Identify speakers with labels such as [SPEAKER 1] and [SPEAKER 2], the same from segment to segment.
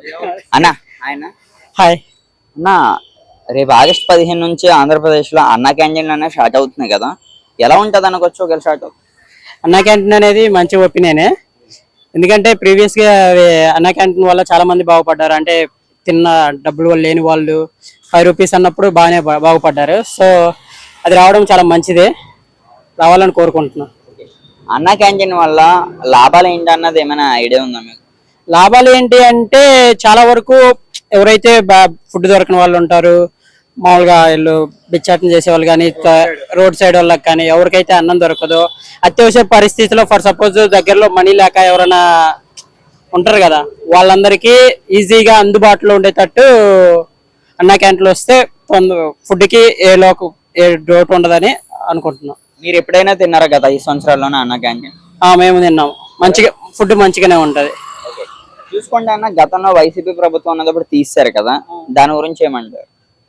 [SPEAKER 1] అన్న ఆయన
[SPEAKER 2] హాయ్.
[SPEAKER 1] అన్న రేపు ఆగస్ట్ 15 నుంచి ఆంధ్రప్రదేశ్లో అన్నా క్యాంటీన్ అనేది స్టార్ట్ అవుతుంది కదా, ఎలా ఉంటుంది అనుకోవచ్చు ఒకవేళ స్టార్ట్ అవుతుంది?
[SPEAKER 2] అన్నా క్యాంటీన్ అనేది మంచి ఒపీనియనే. ఎందుకంటే ప్రీవియస్గా అన్నా క్యాంటీన్ వల్ల చాలా మంది బాగుపడ్డారు. అంటే తిన్న డబ్బులు లేని వాళ్ళు 5 రూపీస్ అన్నప్పుడు బాగుపడ్డారు. సో అది రావడం చాలా మంచిదే, రావాలని కోరుకుంటున్నాం.
[SPEAKER 1] అన్నా క్యాంటీన్ వల్ల లాభాలు ఏంటి అన్నది ఏమైనా ఐడియా ఉందా మీకు?
[SPEAKER 2] లాభాలు ఏంటి అంటే చాలా వరకు ఎవరైతే ఫుడ్ దొరకని వాళ్ళు ఉంటారు, మామూలుగా వీళ్ళు బిచ్చాటం చేసే వాళ్ళు కానీ, రోడ్ సైడ్ వాళ్ళకి కానీ ఎవరికైతే అన్నం దొరకదో, అత్యవసర పరిస్థితిలో ఫర్ సపోజ్ దగ్గరలో మనీ లేక ఎవరైనా ఉంటారు కదా, వాళ్ళందరికీ ఈజీగా అందుబాటులో ఉండేటట్టు అన్నా క్యాంటీన్లు వస్తే ఫుడ్కి ఏ లోటు ఉండదని అనుకుంటున్నాం.
[SPEAKER 1] మీరు ఎప్పుడైనా తిన్నారా గత 5 సంవత్సరాల్లోనే అన్నా క్యాంటీన్?
[SPEAKER 2] మేము తిన్నాం, మంచిగా ఫుడ్ మంచిగానే ఉంటుంది.
[SPEAKER 1] చూసుకోండి అన్న, గతంలో వైసీపీ ప్రభుత్వం ఉన్నప్పుడు తీశారు కదా, దాని గురించి ఏమంటారు?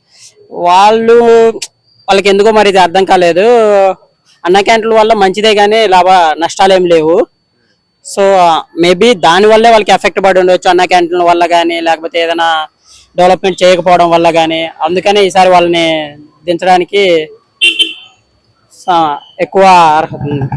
[SPEAKER 2] వాళ్ళకి ఎందుకో మరి ఇది అర్థం కాలేదు. అన్నా క్యాంటీన్ల వల్ల మంచిదే కానీ నష్టాలు ఏం లేవు. సో మేబీ దాని వల్లే వాళ్ళకి ఎఫెక్ట్ పడి ఉండవచ్చు, అన్నా క్యాంటీన్ల వల్ల కానీ, లేకపోతే ఏదైనా డెవలప్మెంట్ చేయకపోవడం వల్ల కానీ. అందుకనే ఈసారి వాళ్ళని దించడానికి ఎక్కువ అర్హత ఉంది.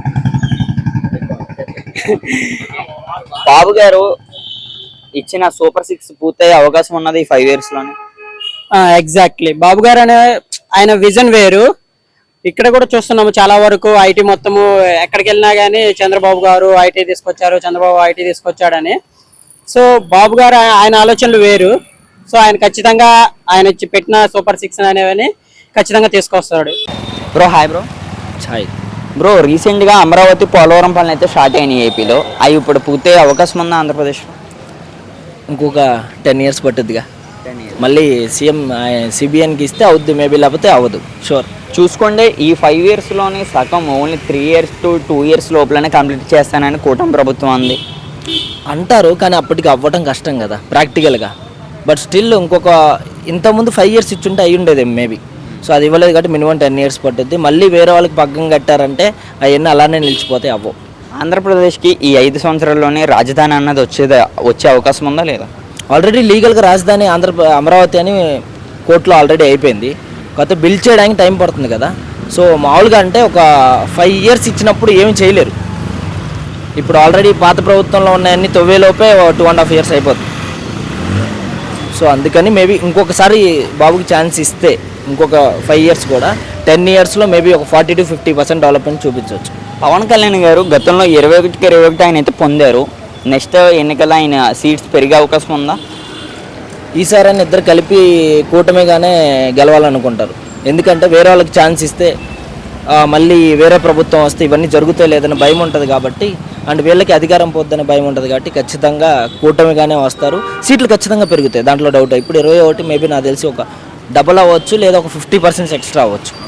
[SPEAKER 1] బాబు గారు ఇచ్చిన సూపర్ 6 పూర్తయ్యే అవకాశం ఉన్నది ఈ 5 years లోనే.
[SPEAKER 2] ఎగ్జాక్ట్లీ, బాబు గారు ఆయన విజన్ వేరు. ఇక్కడ కూడా చూస్తున్నాము చాలా వరకు ఐటీ మొత్తము ఎక్కడికి వెళ్ళినా కానీ చంద్రబాబు గారు ఐటీ తీసుకొచ్చారు, చంద్రబాబు ఐటీ తీసుకొచ్చాడని. సో బాబు గారు ఆయన ఆలోచనలు వేరు. సో ఆయన ఖచ్చితంగా ఆయన పెట్టిన సూపర్ 6 అనేవని ఖచ్చితంగా తీసుకొస్తాడు.
[SPEAKER 1] Bro hi. Bro
[SPEAKER 3] hi
[SPEAKER 1] bro, రీసెంట్గా అమరావతి పోలవరం పనులు అయితే స్టార్ట్ అయినాయి ఏపీలో. అవి ఇప్పుడు పూర్తయ్యే అవకాశం ఉందా ఆంధ్రప్రదేశ్లో?
[SPEAKER 3] ఇంకొక 10 years పట్టుద్దిగా. మళ్ళీ సీఎం సిబిఎన్కి ఇస్తే అవుద్ది, మేబీ లేకపోతే అవ్వదు, షూర్.
[SPEAKER 1] చూసుకోండి, ఈ 5 yearsలోని సగం ఓన్లీ 3 years to 2 years లోపలనే కంప్లీట్ చేస్తానని కూటమి ప్రభుత్వం అంది
[SPEAKER 3] అంటారు. కానీ అప్పటికి అవ్వటం కష్టం కదా ప్రాక్టికల్గా. బట్ స్టిల్ ఇంతకుముందు 5 years ఇచ్చుంటే అయ్యి ఉండేది మేబీ. సో అది ఇవ్వలేదు కాబట్టి మినిమం 10 years పట్టుద్ది. మళ్ళీ వేరే వాళ్ళకి పగ్గం కట్టారంటే అవన్నీ అలానే నిలిచిపోతాయి, అవ్వవు.
[SPEAKER 1] ఆంధ్రప్రదేశ్కి ఈ 5 సంవత్సరాల్లోనే రాజధాని అన్నది వచ్చే అవకాశం ఉందా లేదా?
[SPEAKER 3] ఆల్రెడీ లీగల్గా రాజధాని అమరావతి అని కోర్టులో ఆల్రెడీ అయిపోయింది. కొత్త బిల్ చేయడానికి టైం పడుతుంది కదా. సో మామూలుగా అంటే ఒక 5 years ఇచ్చినప్పుడు ఏమి చేయలేరు. ఇప్పుడు ఆల్రెడీ పాత ప్రభుత్వంలో ఉన్నాయన్నీ తొవ్వేలోపే 2.5 years అయిపోతుంది. సో అందుకని మేబీ ఇంకొకసారి బాబుకి ఛాన్స్ ఇస్తే ఇంకొక 5 years కూడా 10 yearsలో మేబీ ఒక 40 to 50% డెవలప్మెంట్ చూపించవచ్చు.
[SPEAKER 1] పవన్ కళ్యాణ్ గారు గతంలో 21 ఆయన అయితే పొందారు. నెక్స్ట్ ఎన్నికల్లో ఆయన సీట్స్ పెరిగే అవకాశం ఉందా?
[SPEAKER 3] ఈసారి అని ఇద్దరు కలిపి కూటమిగానే గెలవాలనుకుంటారు. ఎందుకంటే వేరే వాళ్ళకి ఛాన్స్ ఇస్తే మళ్ళీ వేరే ప్రభుత్వం వస్తే ఇవన్నీ జరుగుతాయి లేదని భయం ఉంటుంది కాబట్టి, అండ్ వీళ్ళకి అధికారం పోద్దని భయం ఉంటుంది కాబట్టి ఖచ్చితంగా కూటమిగానే వస్తారు. సీట్లు ఖచ్చితంగా పెరుగుతాయి, దాంట్లో డౌట్. ఇప్పుడు 21 మేబీ నాకు తెలిసి ఒక డబుల్ అవ్వచ్చు, లేదా ఒక 50% ఎక్స్ట్రా అవ్వచ్చు.